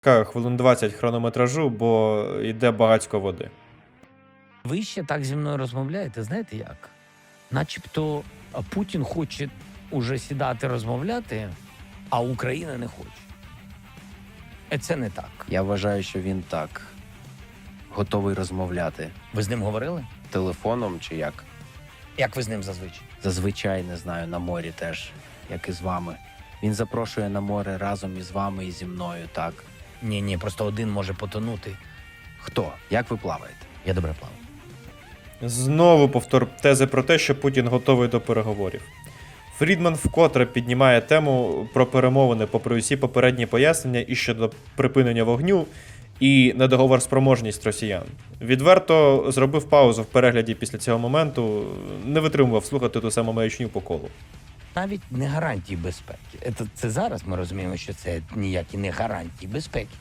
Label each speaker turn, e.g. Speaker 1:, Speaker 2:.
Speaker 1: Хвилин 20 хронометражу, бо йде багатько води.
Speaker 2: Ви ще так зі мною розмовляєте, знаєте як? Начебто Путін хоче уже сідати розмовляти, а Україна не хоче. Це не так.
Speaker 3: Я вважаю, що він так готовий розмовляти
Speaker 2: Ви з ним говорили?
Speaker 3: телефоном чи як.
Speaker 2: Як ви з ним зазвичай?
Speaker 3: Зазвичай, не знаю, на морі теж, як і з вами. Він запрошує на море разом із вами і зі мною, так?
Speaker 2: Ні, просто один може потонути.
Speaker 3: Хто? Як ви плаваєте?
Speaker 2: Я добре плаваю.
Speaker 1: Знову повтор тези про те, що Путін готовий до переговорів. Фрідман вкотре піднімає тему про перемовини, попри усі попередні пояснення і щодо припинення вогню, і недоговорспроможність росіян. Відверто зробив паузу в перегляді після цього моменту, не витримував слухати ту саму маячню по колу.
Speaker 2: Навіть не гарантії безпеки. Це зараз ми розуміємо, що це ніякі не гарантії безпеки.